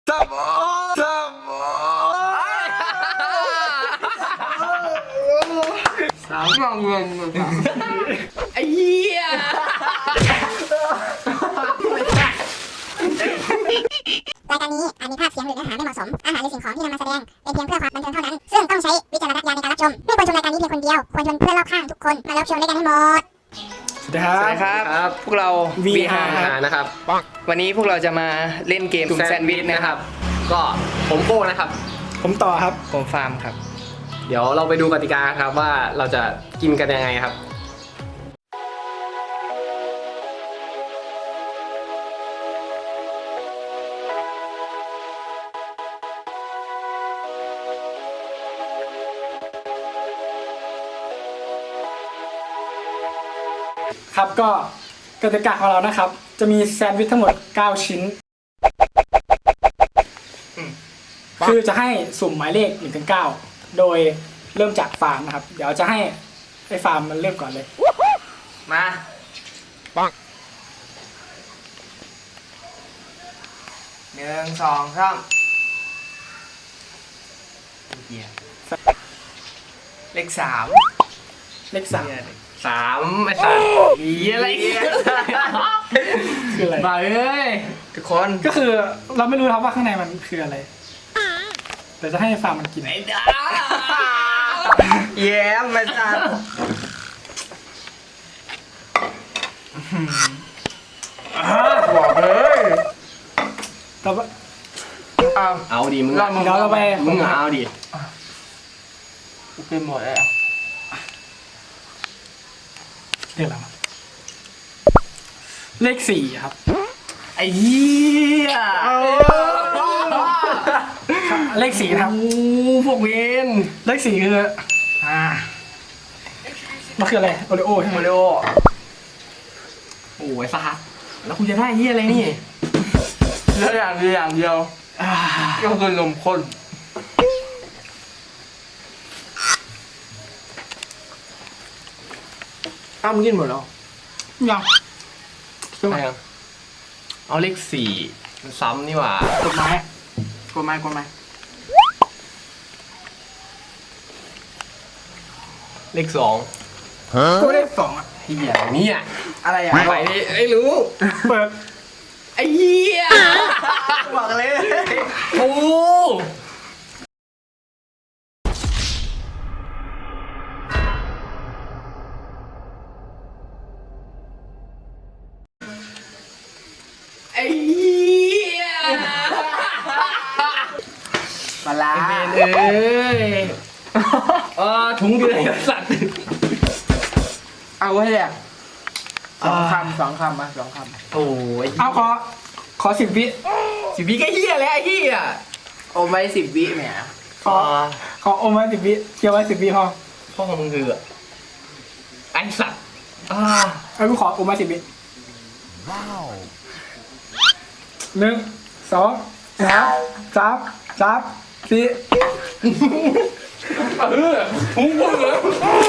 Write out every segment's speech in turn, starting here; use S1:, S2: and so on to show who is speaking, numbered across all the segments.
S1: สามงเงินไอ้เหี้ย
S2: รายการนี้อาจมีภาพเสียงหรือเนื้อหาไม่เหมาะสมอาหารหรือสิ่งของที่นำมาแสดงเป็นเพียงเพื่อความบันเทิงเท่านั้นซึ่งต้องใช้วิจารณญาณในการรับชมไม่ควรชมรายการนี้เพียงคนเดียวควรชวนเพื่อนรอบข้างทุกคนมารับชมด้วยกันให้หมด
S3: สวัสดีครับ
S1: พวกเรา
S3: VR
S1: นะครับวันนี้พวกเราจะมาเล่นเกมแซนด์วิชนะครับก็ผมโก้นะครับ
S3: ผมต่อครับ
S1: ผมฟาร์มครับ
S4: เดี๋ยวเราไปดูกติกาครับว่าเราจะกินกันยังไงครับ
S3: ครับก็กติกาของเรานะครับ จะมีแซนด์วิชทั้งหมด9ชิ้นคือจะให้สุ่มหมายเลข1 ถึง 9โดยเริ่มจากฟาร์มนะครับเดี๋ยวจะให้ไอ้ฟาร์มมันเริ่มก่อนเลย
S1: มาปัง1 2 3เลข 3
S3: เลข3
S1: 3ไอ้สัตว์อะไร
S3: คืออะไร
S1: มาเอ้ยทุกคน
S3: ก็คือเราไม่รู้ครับว่าข้างในมันคืออะไรแต่จะให้ฟาร์มมันกิน
S1: ไอ้ดาแย้มไอ้สัตว์บอกเลย
S3: แต่ว่า
S4: เอาดิมึง
S3: เดี๋ยวเราไป
S4: มึงเอาดิ
S1: กูเป็นหมดเลยอ่ะ
S3: เรียกอะไรวะเลข4ครับ
S1: ไอ้เหี้ย
S3: เลข4ครับ
S1: พวกเวน
S3: เลข4คือมันคืออะไรโอริโอใช่ไหม
S1: มาริโอโอ้ยสัตว์แล้วคุณจะได้เหี้ยอะไรนี่แล้วอย่างเดียวก็คือนมข้นมึงกินหมดแล้ว
S3: ยัง
S1: อะไรอ่ะเอาเลข4มันซ้ำนี่หว่าก
S3: ดไม้
S1: เลข2
S3: ก็เลข2อ่ะ
S1: ที่อย่างนี้อ่ะ
S3: อะไรอ่ะ
S1: ไปดิไอ้รู้
S3: เปิด
S1: ไอ้เหี้ยบอกเลยโอ้ไอ้เหี้ยปลาเอ้ยถุงเดือดสัตว์เอาไว้เลย2 คำมา2 คำโอ้ย
S3: เอาขอ10 วิ
S1: 10 วิก็เหี้ยแล้วไอ้เหี้ยโอ้ไม่10 วิแหม
S3: ขออมไว้10 วิเคี้ยวไว้10 วิพอ
S1: พ่อของมึงคือไอ้สัตว์
S3: เอากูขออมไว้10 วิว้าว1 2 3 4
S1: มึงพูดเลย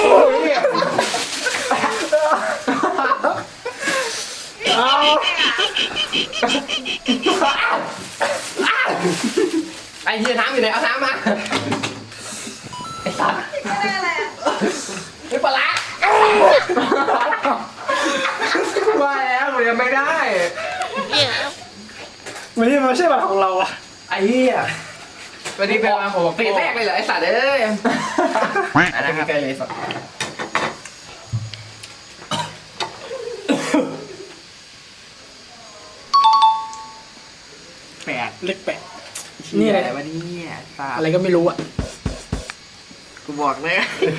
S1: ไอ้เหี้ยน้ำอยู่ไหนเอาน้ำมาไอ้สัตว์ไอ้ปลาว่าแล้วมันยังไม่ได้
S3: ไม่ใช่บัตรของเราอะ
S1: ไอ้เหี้ยวันนี้เป็นวันของปีแรกเลยเหรอไอ้สัตว์เอ้ยอันนั้นครับใกล้เลยสัตว์
S3: เลข8นี่อะไร
S1: วันนี้
S3: อะไรก็ไม่รู้อะ
S1: กูบอกเลย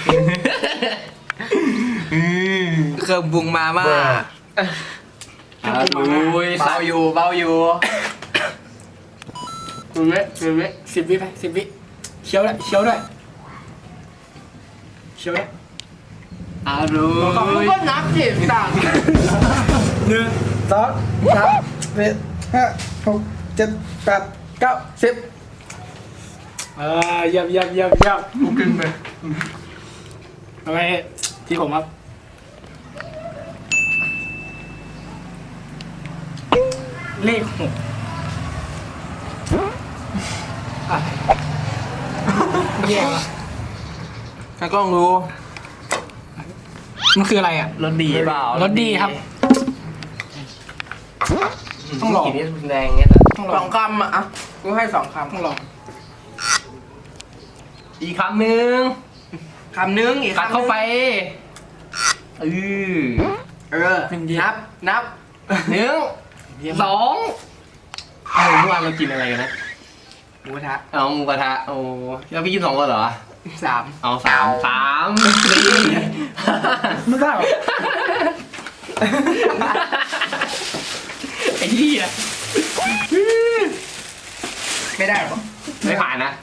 S1: เครื่องปรุงมาม่าเบาอยู่
S3: 10 วิไป10 วิเคี้ยวด้วย
S1: มึงก็นับสิต่าง
S3: 1 2 3 4 5 6 7 8 9 10เยี่ยม
S1: กูกินไป
S3: ทำไมที่ผมครับเลข6 อะไรแย่ว่ะ
S1: ถ้ากล้องรู้
S3: มันคืออะไรอ่ะ
S1: รสดีเปล่าร
S3: สดีครับ ต้องลอง
S1: กินนี่แดงเงี้ย
S3: ต้อง
S1: ส
S3: ล
S1: อ
S3: อง
S1: งคำอ่ะกูให้2 ค
S3: ต้องลอง
S1: ำอีกคำหนึ่งอีก
S4: กัด
S1: คำ
S4: เข้าไป
S1: เออนับ
S4: 1 2เมื่อวานเรากินอะไรกันนะ
S1: หมูกระทะ
S4: เอาหมูกระทะโอ้แล้วพี่กิน2 คนเหรอ
S1: 3
S4: เอา3 4
S3: ไม่ได้หรอ
S4: ไอ้เหี้ย
S1: ไม่ได้หรอ
S4: ไม่ผ่านนะ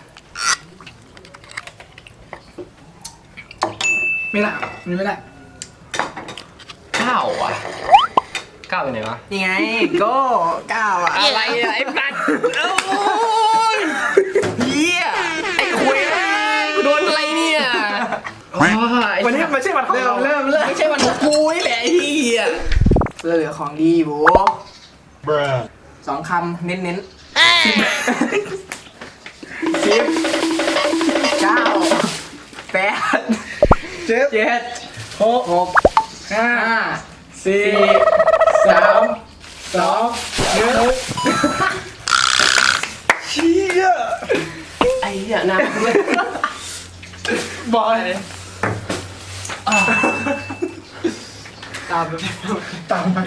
S3: ไม่ได้มันไม่ได้
S4: 9 อ่ะ 9เป็นไหนวะ
S1: นี่ไงโก้9อ่ะ
S4: อะไรอะไอ้ปัดโอ้ยเหี้ยไอ้คุยกูโดนอะไรเนี่ยโอ้ย
S3: วันนี้ไม่ใช่วันของเรา
S1: เริ่ม
S4: ไม่ใช่วันของกูนี่แหละไอ้เหี้ย
S1: เหลือของดีโบ2 คำเน้น10 9 8 7 6 5 4 3 2
S3: เชี่ย
S4: ไอ้เหี้ยนะ
S3: บอยตามไป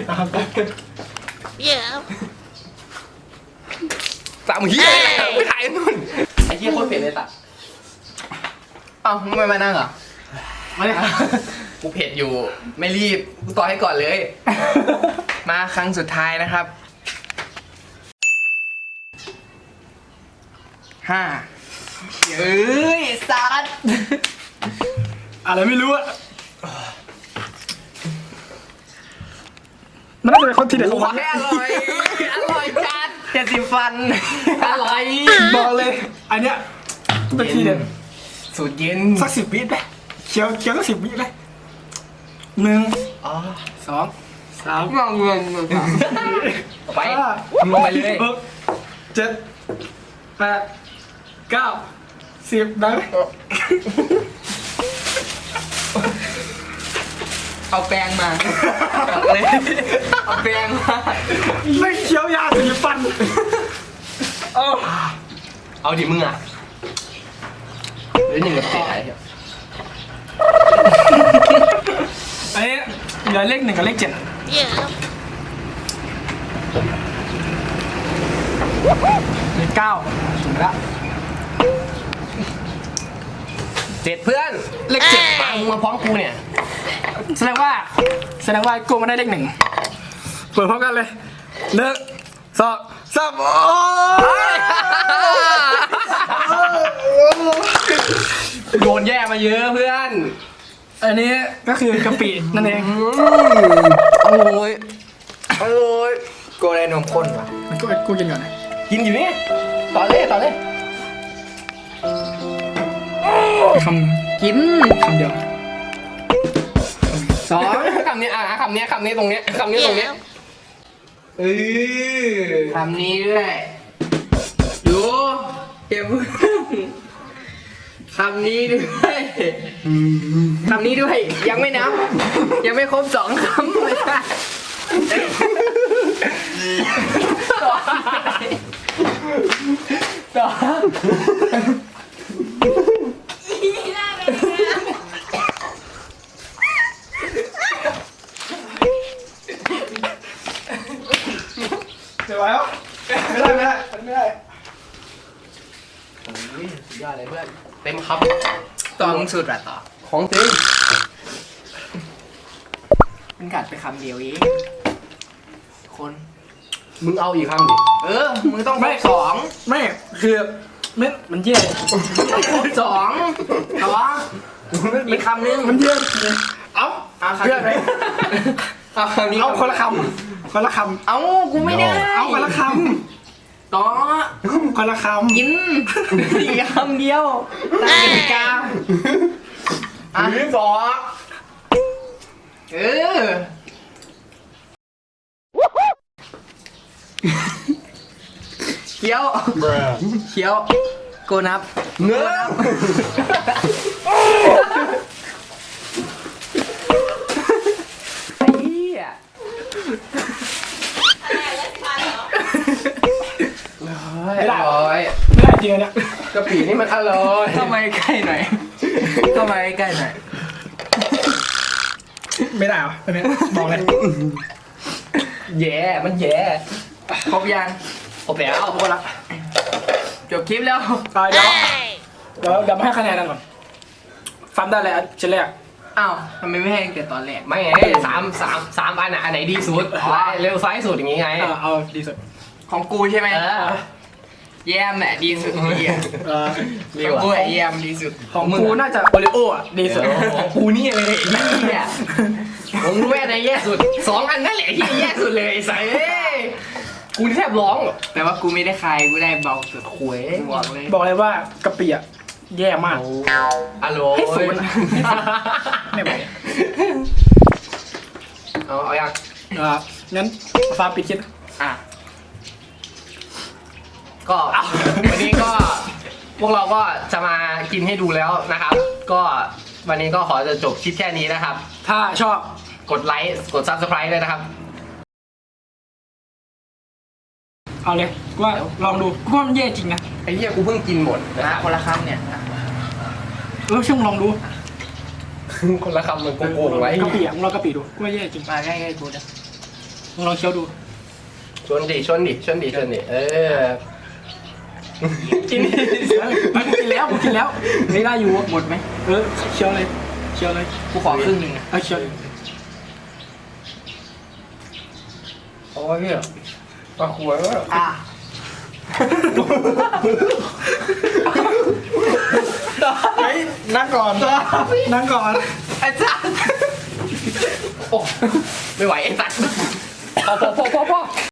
S4: สามเหี้ยไม่ถ่ายนู่นไอ้เหี้ยโคตรเผ็ดเลยตัด
S1: เอ้าไม่มานั่งเหรอ
S3: มาเลย
S4: กูเผ็ดอยู่ไม่รีบกูต่อให้ก่อนเลย
S1: มาครั้งสุดท้ายนะครับ 5 เอ้ยสัตว์
S3: อะไรไม่รู้อะมันน่าจะเป็นคนที่เด็ดของมัน
S1: อร่อยจัด70 ฟัน
S4: อร่อย
S3: บอกเลย อันเนี้ยเป็นทีเด็ด
S1: สูตรเย็น
S3: สัก10 วิไปเคี้ยวสัก10 วิไป1 2 3
S1: งองเงิน
S4: ไป
S3: 5
S4: ลงไปเลย
S3: 6 7 8 9 10ได้ไหม
S1: เอาแปรงมาเลยเอาแปรงมา
S3: ไม่เคี้ยวยาสีฟัน
S4: เอาดิมึงอ่ะหรือ1 กับ 7อะไรเหี้ย
S3: อันนี้เหลือเลข1กับเลข7เลข9ถึงแล้ว
S4: 7เพื่อน
S3: เลข7
S4: มามึงมาพร้อมกูเนี่ย
S3: แสดงว่ากูมาได้เลข1เปิดพร้อมกันเลย1 2 3โอ้ย
S4: โดนแย่มาเยอะเพื่อน
S3: อันนี้ก็คือกะปินั่นเอง
S1: โอ้ยโกได้นมข้นว่ะ
S3: มันกูกินก่อนนะ
S4: กินอยู่นี่ต่อเลย
S3: คำกินคำเดียว
S4: 2คำนี้คำนี้ตรงเนี้ยคำนี้ตรงเนี้ย
S1: คำนี้ด้วยดูเก็บคำนี้ด้วยยังไม่นับ ยังไม่ครบ2 คำเลยค่ะต่อ
S3: เดี๋ยวไว้แล้วไม่ได้
S4: สุดยอดเลยเพื่อนเต็มค
S1: ต่อมึงสุดอะต่อ
S4: ำของจริง
S1: มันกัดไปคำเดียวเองคน
S4: มึงเอาอีกคำดิ
S1: มึงต้องครบ2
S3: ไม่คือไม่มันเยี่ย
S1: ครบ2ต่ออีกคำนึง
S3: มันเยี่ย
S1: เอาคำ
S3: เพื่อนไหม
S1: เอาคำนี้
S3: เอาคนละคำ
S1: เอากูไม่ได้
S3: เอาคนละค
S1: ต่อ
S3: ำคนละคำ
S1: กินอีกคำเดียวตามกติกา
S4: หรือ2
S1: เคี้ยวกูนับ
S4: เนื้อ
S1: ไอ้เหี้ย
S3: ไม่ได้
S4: อร่อย
S3: ไม่ได้จริงอันเนี่ย
S4: กะปินี่มันอร่อย
S1: เข้ามาใกล้หน่อยเข้ามาใกล้หน่อย
S3: ไม่ได้เหรออันเนี้ยบอกเลย
S4: แย่มันแย่
S1: ครบยัง
S4: โอ้แปลว
S3: เอาคนละ
S1: จบคลิปแล้ว
S3: เดี๋ยวมาให้คะแนนกันก่อนฟันได้เลยอันชิ้นแรก
S1: อ้าวทำไมไม่ให้ตั้งแต่ตอนแรก
S4: ไม่ไงสามอันอันไหนดีสุดเร็วซ้ายสุดอย่างงี้ไง
S3: เอาดีสุด
S1: ของกูใช่ไหม
S4: เออ
S1: แยมแหละดีสุดเหี้ย
S4: ดี
S1: ของ
S4: ว่ะ
S1: กูไอ้แยมดีสุด
S3: ของกูน่าจะโอริโออ่ะดีสุด
S4: ของกูนี่เลยเนี่ยผมรู้แม่ในแย่สุดสองอันนั่นแหละที่แย่สุดเลยไอ้สัสเอ้ยกูนี่แทบร้อง
S1: แต่ว่ากูไม่ได้คายกูได้เบาสุด
S4: หวย
S1: บอกเลย
S3: บอกเลยว่ากะปิอ่ะแย่มาก
S4: อโล
S3: ให้ศูนย์อะไม่ไหว
S4: เอายัง
S3: งั้นฟ้าปิดคลิป
S1: อ่ะ
S4: ก็วันนี้ก็พวกเราก็จะมากินให้ดูแล้วนะครับ ก็วันนี้ก็ขอจะจบคลิปแค่นี้นะครับ
S3: ถ้าชอบ
S4: กดไลค์กด Subscribe เลยนะครับ
S3: เอาเลยกูว่าลองดูกูว่ามันแย่จริงนะ
S4: ไอ้เหี้ยกูเพิ่งกินหมดนะ
S1: นะคนละคำเนี่ย
S3: ช่วงลองดู
S4: คนละคำมันโกงๆไว้
S3: กะปิอ่ะมึงลองกะปิดูกูว่าแย่จริง
S1: มาใกล้ๆกูนะ
S3: มึงลองเคี้ยวดู
S4: ชนดิเออ
S3: กินมันกินแล้วผมกินแล้วไม่ได้อยู่
S1: หมดไหม
S3: เคี้ยวเลยเคี้ยวเลย
S1: กูขอครึ่งหนึ่งอะ
S3: เคี้ยวเลย
S4: โอ้ยเหี้ยปลาขวดวะ
S1: อ่ะ
S3: เฮ้ยนั่งก่อนนั่งก่อน
S1: ไอ้จ้า
S4: โอ้ไม่ไหวไอ้สัตว์พอ